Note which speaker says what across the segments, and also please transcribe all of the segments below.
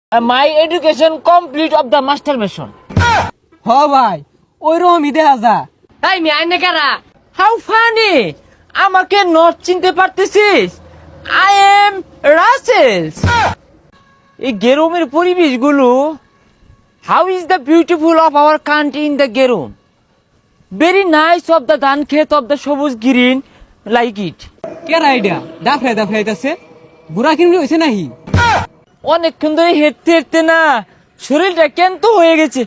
Speaker 1: My education complete of the masturbation.
Speaker 2: হ ভাই ওই রকমই দেখা যা।
Speaker 3: তাই মি আইনে কারা?
Speaker 1: How funny! আমাকে নট চিনতে পারতেছিস? I am Russell. এই গেরুমের পরিবেশগুলো, how is the beautiful of our country in the গেরুম? Very nice of the ধান ক্ষেত of the সবুজ green, like it.
Speaker 2: কেরা আইডিয়া দাফরাই দাফরাইতাছে বুড়া কিনবি হয়েছে নাহি?
Speaker 1: অনেকক্ষণ ধরে হেঁটতে হেঁটতে না শরীরটা কেন্ত হয়ে গেছে।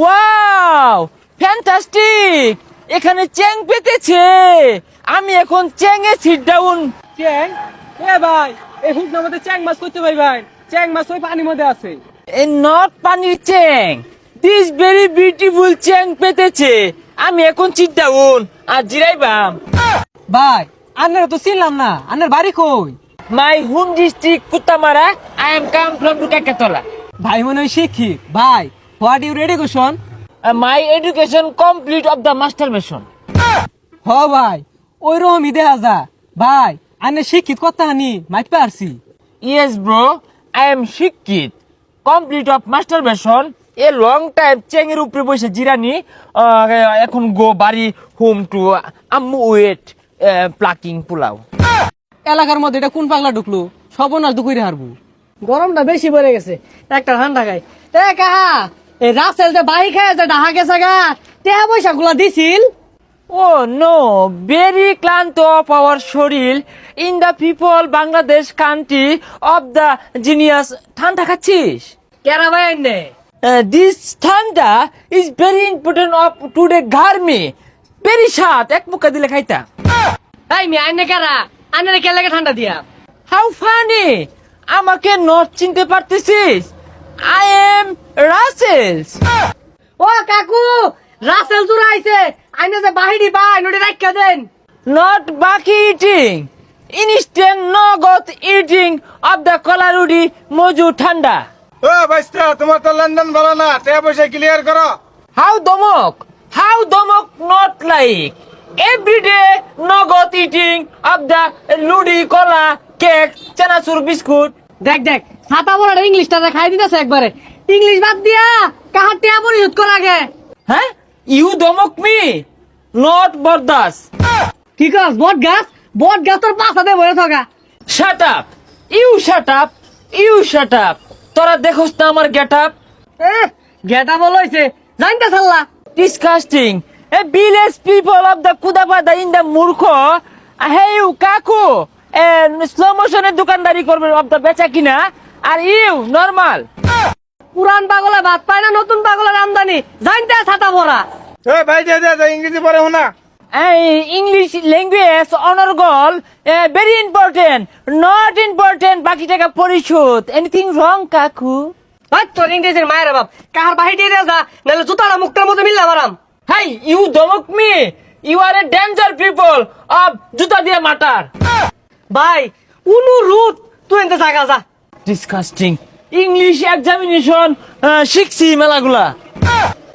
Speaker 1: Wow, fantastic! এখানে চ্যাং পেতেছে। আমি এখন চ্যাংয়ে সিট ডাউন।
Speaker 2: চ্যাং? এ ভাই এই হুকনার মধ্যে চ্যাং মাছ করতে ভাই ভাই চ্যাং মাছ ওই পানির মধ্যে আছে।
Speaker 1: এ নট পানির চ্যাং, দিস ভেরি বিউটিফুল চ্যাং পেতেছে। আমি এখন সিট ডাউন আর জিরাইবাম।
Speaker 2: ভাই আন্নারা তো চিনলাম না, আন্নার বাড়ি কই?
Speaker 1: My home district Kutamara, I am come from Kakatala.
Speaker 2: ভাই মনে হয় শিক্ষিত। ভাই what your education?
Speaker 1: My education complete of the masturbation.
Speaker 2: হ ভাই ওই রকমই দেখা যা। ভাই আন্নে শিক্ষিত কথা হানি মাইট পারছি।
Speaker 1: Yes, bro. I am শিক্ষিত complete of masturbation. A long time চেঙ্গের উপরে বসে জিরানি। এখন গো বাড়ি হোম টু আম্মু ওয়েট প্লাকিং পোলাও।
Speaker 2: এলাকার মধ্যে এটা কোন পাগলা ঢুকলো? সর্বনাশ দুকুরে হারবো।
Speaker 3: গরমটা বেশি পড়ে গেছে, একটা ঠান্ডা খাই। এ কাহা এই রাসেল যে বাহি খায় যে ঢাকা গেছে গা, টেহা পয়সা গুলা দিছিল।
Speaker 1: Oh no, very ক্লান্ত of our শরীর in the people Bangladesh country of the genius. ঠান্ডা খাচ্ছিস?
Speaker 3: কেরা ভাই আইনে?
Speaker 1: This ঠান্ডা is very important of today garmi. Very স্বাদ, এক মুখা দিলে খাইতা।
Speaker 3: তাই মি আইনে কারা? আইনে কে লাগে ঠান্ডা দিয়া?
Speaker 1: How funny! আমাকে নট চিনতে পারতেছিস? I am Russell.
Speaker 3: ও কাকু, রাসেল জুরা আইছে। আইনে যে বাহিরি বাই নডি রাখা দেন।
Speaker 1: Not বাকি eating. Instant নগদ eating of the কলারুডি মজু ঠান্ডা।
Speaker 4: ও বাইস্তা তোমার তো লন্ডন ভালো না, টাকা পয়সা ক্লিয়ার করো।
Speaker 1: How দমক? How দমক not like? Every day নগদ eating of the লুডি কলা কেক চানাচুর বিস্কুট।
Speaker 3: দেখ দেখ ছাতা বড় ইংলিশটা খাই দিতেছে একবারে। ইংলিশ বাদ দিয়া কাহার টেহা পরিশোধ করা আগে।
Speaker 1: হ্যাঁ? You দমক me? Not বরদাস।
Speaker 3: কি কাজ বট গাছ তোর পাছাতে বসে থাকা।
Speaker 1: Shut up! You shut up! You shut up! তোরা দেখোস না আমার গেট আপ?
Speaker 3: গেটা বল হইছে জানতে ছাল্লা।
Speaker 1: Disgusting! A village people of the Kudapada in the মূর্খ। Hey you কাকু, স্লো মোশনের দোকানদারি করবে of the বেচা কিনা, আর ইউ নরমাল।
Speaker 3: পুরান পাগলে ভাত পায় না, নতুন পাগলের আমদানি। জানতে ছাতা ভরা।
Speaker 4: এ ভাই দে দে ইংরেজি পড়ে শোনা।
Speaker 1: ইংলিশ ল্যাঙ্গুয়েজ অনর্গল ভেরি ইম্পর্টেন্ট, নট ইম্পর্টেন্ট বাকি টাকা পরিশোধ। এনিথিং রং কাকু?
Speaker 3: ভাই তোর ইংরেজির মায়ের বাপ কাহার বাহি দিয়ে দে যা, নাহলে জুতাটা মুখটার মধ্যে মিললা মারাম।
Speaker 1: Hey, you দমক me! You are a danger people of জুতা দিয়ে মাটার।
Speaker 3: ভাই অনুরোধ তুই এনতে জায়গা যা।
Speaker 1: Disgusting! ইংলিশ এক্সামিনেশন শিখছি মেলাগুলা।